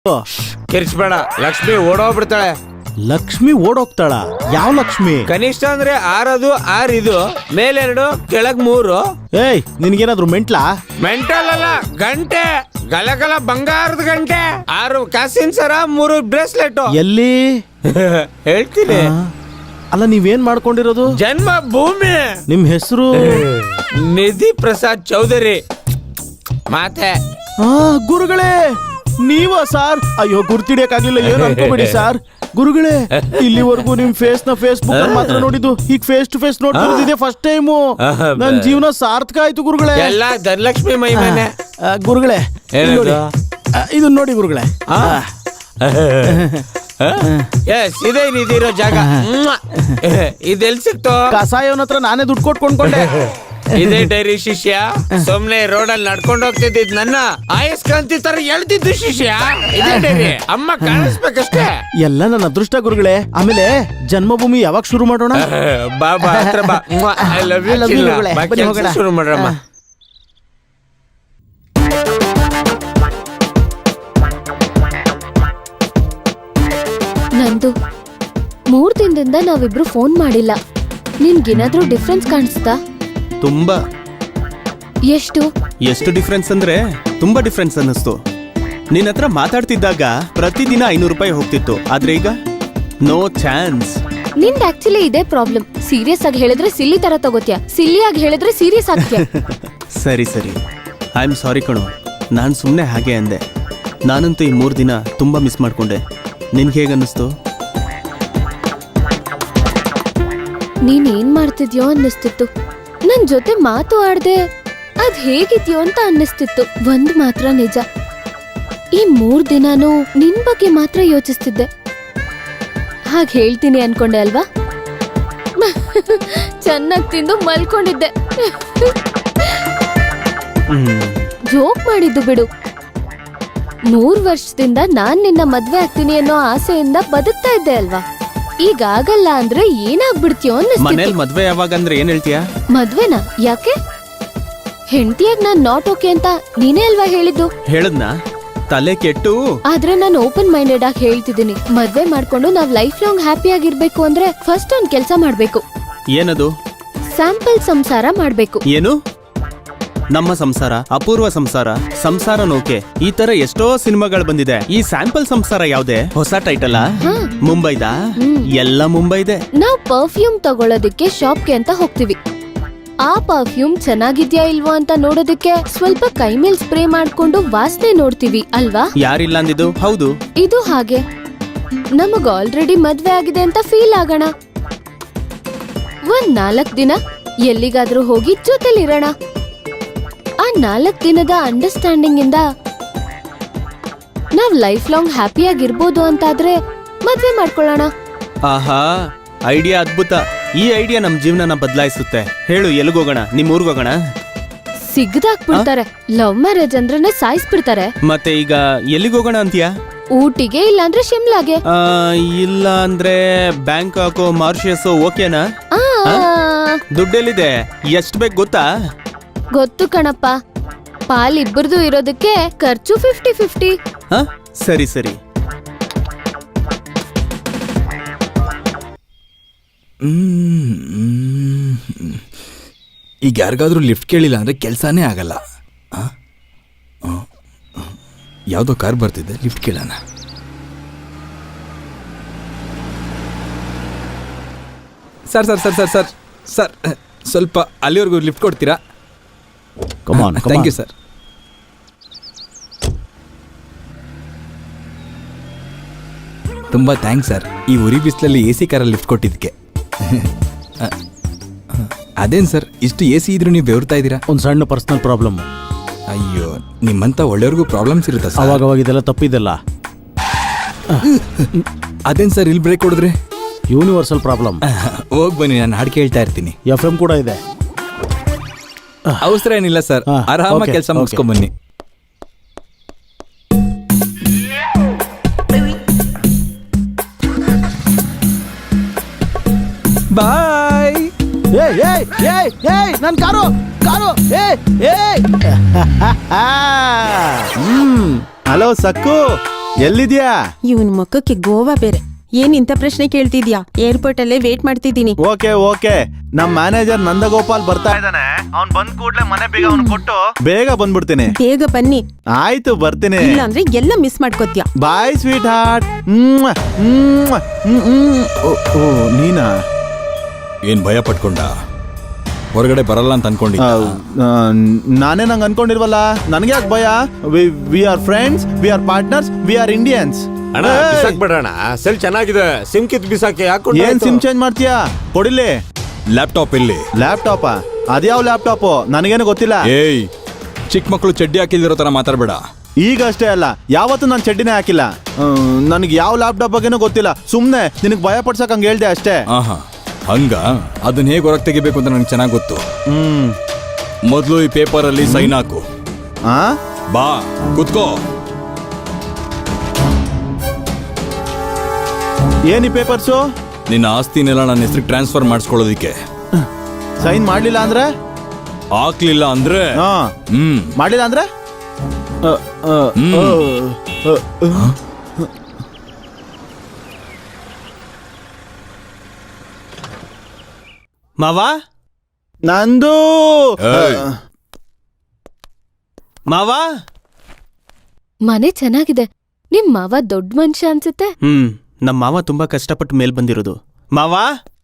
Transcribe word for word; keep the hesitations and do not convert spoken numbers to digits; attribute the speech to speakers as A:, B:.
A: ಕಿರ್ಚ್ಬೇಡ, ಲಕ್ಷ್ಮಿ ಓಡೋಗ್ಬಿಡ್ತಾಳೆ.
B: ಲಕ್ಷ್ಮಿ ಓಡೋಗ್ತಾಳ? ಯಾವ ಲಕ್ಷ್ಮಿ?
A: ಕನಿಷ್ಠ ಅಂದ್ರೆ ಆರದು ಆರ್, ಇದು ಮೇಲೆರಡು ಕೆಳಗ್ ಮೂರು.
B: ಏಯ್ ನಿನ್ಗೇನಾದ್ರು ಮೆಂಟ್ಲಾ?
A: ಮೆಂಟಲ್ ಅಲ್ಲ, ಗಂಟೆ, ಗಲಗಲ ಬಂಗಾರದ ಗಂಟೆ. ಆರು ಕಾಸಿನ ಸರ, ಮೂರು ಬ್ರೇಸ್ಲೆಟ್.
B: ಎಲ್ಲಿ?
A: ಹೇಳ್ತೀನಿ.
B: ಅಲ್ಲ ನೀವೇನ್ ಮಾಡ್ಕೊಂಡಿರೋದು?
A: ಜನ್ಮ ಭೂಮಿ.
B: ನಿಮ್ ಹೆಸರು?
A: ನಿಧಿ ಪ್ರಸಾದ್ ಚೌಧರಿ. ಮಾತೆ
B: ಗುರುಗಳೇ ನೀವ ಸಾರ್? ಅಯ್ಯೋ ಗುರ್ತಿಡಿಯಕ್ಕಾಗ್ಲಿಲ್ಲ, ಏನು ಅನ್ಕೋಬೇಡಿ ಸಾರ್. ಗುರುಗಳೇ, ಇಲ್ಲಿವರೆಗೂ ನಿಮ್ ಫೇಸ್ ನ ಫೇಸ್ಬುಕ್ ಅಲ್ಲಿ ಮಾತ್ರ ನೋಡಿದ್ದು, ಈಗ ಫೇಸ್ ಟು ಫೇಸ್ ನೋಡ್ತಿರೋದಿದೆ ಫಸ್ಟ್ ಟೈಮು. ನನ್ ಜೀವನ ಸಾರ್ಥಕ ಆಯ್ತು ಗುರುಗಳೇ.
A: ಎಲ್ಲ ಧನಲಕ್ಷ್ಮಿ ಮೈಮೇನೆ.
B: ಗುರುಗಳೇ ಇದನ್ನ ನೋಡಿ ಗುರುಗಳೇ.
A: ಎಸ್, ಇದೇ ನಿಧಿರೋ ಜಾಗ. ಇದೆಲ್ ಸಿಕ್ತು?
B: ಕಸಾಯವನ ಹತ್ರ ನಾನೇ ದುಡ್ಡು ಕೊಟ್ಟು ಕೊಂಡ್ಕೊಂಡೆ.
A: ಇದೇ ಡೈರಿ ಶಿಷ್ಯ. ಸುಮ್ನೆ ರೋಡಲ್ಲಿ ನಡ್ಕೊಂಡು ಹೋಗ್ತಿದ್ದಿದ್ ನನ್ನ ಆಯಸ್ಕಾಂತಿ ತರ ಹೇಳ್ತಿದ್ದು ಶಿಷ್ಯ. ಇದೇ ಡೈರಿ. ಅಮ್ಮ ಕಾಣಿಸ್ಬೇಕಷ್ಟೇ.
B: ಎಲ್ಲ ನನ್ನ ಅದೃಷ್ಟ ಗುರುಗಳೇ. ಆಮೇಲೆ ಜನ್ಮಭೂಮಿ ಯಾವಾಗ ಶುರು ಮಾಡೋಣ?
A: ಬಾಬಾ ಹತ್ರ ಬಾ. ಐ ಲವ್ ಯು ಚಿನ್ನ. ಬಾಕಿ ಕೆಲ್ಸ ಶುರು ಮಾಡ್ರಮ್ಮ.
C: ನಂದು ಮೂರ್ ದಿನದಿಂದ ನಾವಿಬ್ರು ಫೋನ್ ಮಾಡಿಲ್ಲ. ನಿನ್ಗೇನಾದ್ರೂ ಡಿಫ್ರೆನ್ಸ್ ಕಾಣಿಸ್ತಾ?
B: ತುಂಬಾ.
C: ಎಷ್ಟು?
B: ಎಷ್ಟು ಡಿಫ್ರೆನ್ಸ್ ಅಂದ್ರೆ ತುಂಬಾ ಡಿಫ್ರೆನ್ಸ್ ಅನ್ನಿಸ್ತು. ನಿನ್ನ ಹತ್ರ ಮಾತಾಡ್ತಿದ್ದಾಗ ಪ್ರತಿದಿನ ಐನೂರು ರೂಪಾಯಿ ಹೋಗ್ತಿತ್ತು, ಆದ್ರೆ ಈಗ ನೋ ಚಾನ್ಸ್.
C: ನಿಂದ್ ಆಕ್ಚುಲಿ ಇದೇ ಪ್ರಾಬ್ಲಮ್. ಸೀರಿಯಸ್ ಆಗಿ ಹೇಳಿದ್ರೆ ಸಿಲ್ಲಿ ತರ ತಗೋತ್ಯಾ, ಸಿಲ್ಲಿ ಆಗಿ ಹೇಳಿದ್ರೆ ಸೀರಿಯಸ್ ಆಗ್ತ್ಯಾ.
B: ಸರಿ ಸರಿ, ಐ ಆಮ್ ಸಾರಿ ಕಣೋ. ನಾನ್ ಸುಮ್ನೆ ಹಾಗೆ ಅಂದೆ. ನಾನಂತೂ ಈ ಮೂರ್ ದಿನ ತುಂಬಾ ಮಿಸ್ ಮಾಡ್ಕೊಂಡೆ. ನಿನ್ಗೆ ಹೇಗನ್ನಿಸ್ತು?
C: ನೀನ್ ಏನ್ ಮಾಡ್ತಿದ್ಯೋ ಅನ್ನಿಸ್ತಿತ್ತು. ನನ್ ಜೊತೆ ಮಾತು ಆಡ್ದೆ ಅದ್ ಹೇಗಿದ್ಯೋ ಅಂತ ಅನ್ನಿಸ್ತಿತ್ತು. ಒಂದ್ ಮಾತ್ರ ನಿಜ, ಈ ಮೂರ್ ದಿನಾನು ನಿನ್ ಬಗ್ಗೆ ಮಾತ್ರ ಯೋಚಿಸ್ತಿದ್ದೆ. ಹಾಗೆ ಹೇಳ್ತೀನಿ ಅನ್ಕೊಂಡೆ ಅಲ್ವಾ? ಚೆನ್ನಾಗ್ ತಿಂದು ಮಲ್ಕೊಂಡಿದ್ದೆ. ಜೋಕ್ ಮಾಡಿದ್ದು ಬಿಡು. ಮೂರ್ ವರ್ಷದಿಂದ ನಾನ್ ನಿನ್ನ ಮದ್ವೆ ಆಗ್ತೀನಿ ಅನ್ನೋ ಆಸೆಯಿಂದ ಬದುಕ್ತಾ ಇದ್ದೆ ಅಲ್ವಾ? ಈಗ ಆಗಲ್ಲ ಅಂದ್ರೆ ಏನಾಗ್ಬಿಡ್ತೀಯೋ ಅನ್ನಿಸ್ತಿತ್ತು.
B: ಮನೇಲಿ ಮದ್ವೆ ಯಾವಾಗ ಅಂದ್ರೆ ಏನ್ ಹೇಳ್ತೀಯಾ?
C: ಮದ್ವೆನಾ? ಯಾಕೆ? ಹೆಂಡತಿಯಾಗ್ ನಾನ್ ನಾಟ್ ಓಕೆ ಅಂತ ನೀನೇ ಅಲ್ವಾ ಹೇಳಿದ್ದು?
B: ಹೇಳದ್ನಾ? ತಲೆ ಕೆಟ್ಟು.
C: ಆದ್ರೆ ನಾನು ಓಪನ್ ಮೈಂಡೆಡ್ ಆಗಿ ಹೇಳ್ತಿದ್ದೀನಿ. ಮದ್ವೆ ಮಾಡ್ಕೊಂಡು ನಾವ್ ಲೈಫ್ ಲಾಂಗ್ ಹ್ಯಾಪಿ ಆಗಿರ್ಬೇಕು ಅಂದ್ರೆ ಫಸ್ಟ್ ಒಂದ್ ಕೆಲ್ಸ ಮಾಡ್ಬೇಕು.
B: ಏನದು?
C: ಸ್ಯಾಂಪಲ್ ಸಂಸಾರ ಮಾಡ್ಬೇಕು.
B: ಏನು? ನಮ್ಮ ಸಂಸಾರ, ಅಪೂರ್ವ ಸಂಸಾರ, ಸಂಸಾರ ನೌಕೆ, ಈ ತರ ಎಷ್ಟೋ ಸಿನಿಮಾಗಳು ಬಂದಿದೆ. ಈ ಸ್ಯಾಂಪಲ್ ಸಂಸಾರ ಯಾವ್ದೇ? ಹೊಸ ಟೈಟಲ್? ಮುಂಬೈದ? ಎಲ್ಲ ಮುಂಬೈದೆ.
C: ನಾವ್ ಪರ್ಫ್ಯೂಮ್ ತಗೊಳ್ಳೋದಕ್ಕೆ ಶಾಪ್ಗೆ ಅಂತ ಹೋಗ್ತಿವಿ. ಆ ಪರ್ಫ್ಯೂಮ್ ಚೆನ್ನಾಗಿದ್ಯಾ ಇಲ್ವಾ ಅಂತ ನೋಡೋದಕ್ಕೆ ಸ್ವಲ್ಪ ಕೈ ಮೇಲ್ ಸ್ಪ್ರೇ ಮಾಡ್ಕೊಂಡು ವಾಸನೆ ನೋಡ್ತೀವಿ ಅಲ್ವಾ?
B: ಯಾರಿಲ್ಲ ಅಂದಿದ್ದು? ಹೌದು.
C: ಇದು ಹಾಗೆ ನಮಗ್ ಆಲ್ರೆಡಿ ಮದ್ವೆ ಆಗಿದೆ ಅಂತ ಫೀಲ್ ಆಗೋಣ. ಒಂದ್ ನಾಲ್ಕ್ ದಿನ ಎಲ್ಲಿಗಾದ್ರೂ ಹೋಗಿ ಜೊತೆಲಿರೋಣ. ಆ ನಾಲ್ಕ್ ದಿನದ ಅಂಡರ್ಸ್ಟ್ಯಾಂಡಿಂಗ್ ಇಂದ ನಾವ್ ಲೈಫ್ ಲಾಂಗ್ ಹ್ಯಾಪಿ ಆಗಿರ್ಬೋದು ಅಂತಾದ್ರೆ ಮದ್ವೆ ಮಾಡ್ಕೊಳ್ಳೋಣ.
B: ಆಹಾ, ಐಡಿಯಾ ಅದ್ಭುತ. ಈ ಐಡಿಯಾ ನಮ್ ಜೀವನನ ಬದಲಾಯಿಸುತ್ತೆ. ಹೇಳು, ಎಲ್ಲಿಗೋಗೋಣ? ನಿಮ್ ಊರ್ಗೋಗೋಣ?
C: ಸಿಗ್ದಾಕ್ಬಿಡ್ತಾರೆ. ಲವ್ ಮ್ಯಾರೇಜ್ ಅಂದ್ರೆ ಸಾಯಿಸ್ಬಿಡ್ತಾರೆ.
B: ಮತ್ತೆ ಈಗ ಎಲ್ಲಿಗೋಗೋಣ ಅಂತೀಯಾ?
C: ಊಟಿಗೆ, ಇಲ್ಲ ಅಂದ್ರೆ ಶಿಮ್ಲಾಗೆ.
B: ಇಲ್ಲ ಅಂದ್ರೆ ಬ್ಯಾಂಕಾಕ್, ಮಾರಿಷಸ್ ಓಕೆನಾ?
C: ಆ
B: ದುಡ್ಡೆಲ್ಲಿದೆ? ಎಷ್ಟ್ ಬೇಕು ಗೊತ್ತಾ?
C: ಗೊತ್ತು ಕಣಪ್ಪ. ಪಾಲ್ ಇಬ್ಬರದು ಇರೋದಕ್ಕೆ ಖರ್ಚು ಫಿಫ್ಟಿ ಫಿಫ್ಟಿ.
B: ಸರಿ ಸರಿ.
D: ಈಗ ಯಾರಿಗಾದ್ರೂ ಲಿಫ್ಟ್ ಕೇಳಿಲ್ಲ ಅಂದ್ರೆ ಕೆಲಸನೇ ಆಗಲ್ಲ. ಯಾವುದೋ ಕಾರ್ ಬರ್ತಿದೆ, ಲಿಫ್ಟ್ ಕೇಳೋಣ. Sir sir sir sir sir sir ಸ್ವಲ್ಪ ಅಲ್ಲಿವರೆಗೂ ಲಿಫ್ಟ್ ಕೊಡ್ತೀರಾ? Thank you sir. ತುಂಬ ಥ್ಯಾಂಕ್ಸ್ ಸರ್, ಈ ಉರಿ ಬಿಸಿಲಲ್ಲಿ ಎ ಸಿ ಕಾರಲ್ಲಿ ಲಿಫ್ಟ್ ಕೊಟ್ಟಿದ್ದಕ್ಕೆ. ಅದೇನು ಸರ್, ಇಷ್ಟು ಎ ಸಿ ಇದ್ರೂ ನೀವು ಬೆವರ್ತಾ ಇದ್ದೀರಾ?
B: ಒಂದು ಸಣ್ಣ ಪರ್ಸನಲ್ ಪ್ರಾಬ್ಲಮ್.
D: ಅಯ್ಯೋ, ನಿಮ್ಮಂತ ಒಳ್ಳೆಯವ್ರಿಗೂ ಪ್ರಾಬ್ಲಮ್ಸ್ ಇರುತ್ತಾ ಸರ್?
B: ಅವಾಗ ಅವಾಗ ಇದೆಲ್ಲ ತಪ್ಪಿದೆಲ್ಲ.
D: ಅದೇನು ಸರ್ ಇಲ್ಲಿ ಬ್ರೇಕ್ ಕೊಡಿದ್ರೆ?
B: Universal problem.
D: ಹೋಗಿ ಬನ್ನಿ, ನಾನು ಹಾಡು ಕೇಳ್ತಾ ಇರ್ತೀನಿ.
B: ಎಫ್ ಎಂ ಕೂಡ ಇದೆ.
D: ಅವಸರ ಏನಿಲ್ಲ ಸರ್, ಆರಾಮಾಗಿ ಕೆಲಸ ಮುಗಿಸ್ಕೊಂಡ್ ಬನ್ನಿ. ಬಾಯ್.
B: ಏಯ್ ಏಯ್ ಏಯ್ ಏಯ್ ನನ್ ಕಾರು ಕಾರು ಏಯ್ ಏಯ್. ಹ್ಮ್ ಹಲೋ ಸಕ್ಕು. ಎಲ್ಲಿದ್ಯಾ?
E: ಇವನ್ ಮುಖಕ್ಕೆ ಗೋವಾ ಬೇರೆ. ಏನ್ ಇಂಥ ಪ್ರಶ್ನೆ ಕೇಳ್ತಿದ್ಯಾ? ಏರ್ಪೋರ್ಟ್ ಅಲ್ಲೇ ವೇಟ್ ಮಾಡ್ತಿದ್ದೀನಿ.
B: ಓಕೆ ಓಕೆ, ನಮ್ ಮ್ಯಾನೇಜರ್ ನಂದಗೋಪಾಲ್ ಬರ್ತಾ ಇದ್ದಾನೆ. ಅವ್ನ್ ಬಂದ್ ಕೂಡ್ಲೆ ಮನೆ ಬೇಗ ಅವ್ನು ಕೊಟ್ಟು ಬೇಗ ಬಂದ್ಬಿಡ್ತೀನಿ.
E: ಬೇಗ ಬನ್ನಿ,
B: ಆಯ್ತು ಬರ್ತೀನಿ.
E: ಇಲ್ಲ ಅಂದ್ರೆ ಎಲ್ಲ ಮಿಸ್ ಮಾಡ್ಕೋತ್ಯಾ.
B: Bye sweetheart. ಓ ನೀನಾ?
F: ಏನ್ ಭಯ ಪಟ್ಕೊಂಡ? ಹೊರಗಡೆ ಬರಲ್ಲ ಅಂತ ಅನ್ಕೊಂಡಿ?
B: ಆ, ನಾನೇ ನಂಗೆ ಅನ್ಕೊಂಡಿರ್ವಲ್ಲ, ನನಗೆ ಯಾಕೆ ಭಯ? We are friends, we are partners, we are Indians.
A: ಅಣ್ಣ ಬಿಸಾಕ್ಬೇಡಣ, ಸೆಲ್ ಚೆನ್ನಾಗಿದೆ. ಸಿಮ್ ಕಿತ್ ಬಿಸಾಕಿ ಹಾಕೊಂಡು
B: ಏನ್ ಸಿಮ್ ಚೇಂಜ್ ಮಾಡ್ತೀಯಾ? ಕೊಡಿಲಿ.
F: ಲ್ಯಾಪ್ಟಾಪ್ ಇಲ್ಲಿ.
B: ಲ್ಯಾಪ್ಟಾಪ? ಅದ್ಯಾವ ಲ್ಯಾಪ್ಟಾಪು? ನನಗೇನು ಗೊತ್ತಿಲ್ಲ.
F: ಏಯ್, ಚಿಕ್ಕ ಮಕ್ಕಳು ಚಡ್ಡಿ ಹಾಕಿದಿರೋ ತರ ಮಾತಾಡ್ಬೇಡ.
B: ಈಗ ಅಷ್ಟೇ ಅಲ್ಲ, ಯಾವತ್ತೂ ನಾನು ಚಡ್ಡಿನೇ ಹಾಕಿಲ್ಲ. ನನಗೆ ಯಾವ ಲ್ಯಾಪ್ಟಾಪ್ ಬಗ್ಗೆನೂ ಗೊತ್ತಿಲ್ಲ. ಸುಮ್ನೆ ನಿನಗೆ ಭಯ ಪಡ್ಸಕ್ ಹಂಗೆ ಹೇಳ್ದೆ ಅಷ್ಟೇ.
F: ಆಹಾ, ಹಂಗ? ಅದನ್ನ ಹೇಗೆ ಹೊರಗೆ ತೆಗಿಬೇಕು ಅಂತ ನನಗೆ ಚೆನ್ನಾಗಿ ಗೊತ್ತು.
B: ಹ್ಮ್
F: ಮೊದಲು ಈ ಪೇಪರ್ ಅಲ್ಲಿ ಸೈನ್ ಹಾಕು.
B: ಆ
F: ಬಾ ಕುತ್ಕೋ.
B: ಏನಿ ಪೇಪರ್ಸು?
F: ನಿನ್ನ ಆಸ್ತಿನೆಲ್ಲ ನನ್ನ ಹೆಸರಿಗೆ ಟ್ರಾನ್ಸ್ಫರ್ ಮಾಡಿಸ್ಕೊಳ್ಳೋದಿಕ್ಕೆ.
B: ಸೈನ್ ಮಾಡ್ಲಿಲ್ಲ ಅಂದ್ರೆ?
F: ಹಾಕ್ಲಿಲ್ಲ ಅಂದ್ರೆ?
B: ಹಾ.
F: ಹ್ಮ್
B: ಮಾಡ್ಲಿಲ್ಲ ಅಂದ್ರೆ? ಅ, ಅ,
F: ಹ್ಮ್.
B: ಅ, ಅ, ಅ.
G: ಮಾವ,
B: ನಂದು
F: ಏಯ್.
G: ಮಾವ.
C: ಮನೆ ಚೆನ್ನಾಗಿದೆ. ನಿಮ್ ಮಾವ ದೊಡ್ಡ ಮನುಷ್ಯ ಅನ್ಸುತ್ತೆ.
G: ಹ್ಮ್, ನಮ್ಮ ಮಾವ ತುಂಬಾ ಕಷ್ಟಪಟ್ಟು ಮೇಲ್ ಬಂದಿರೋದು. ಮಾವ,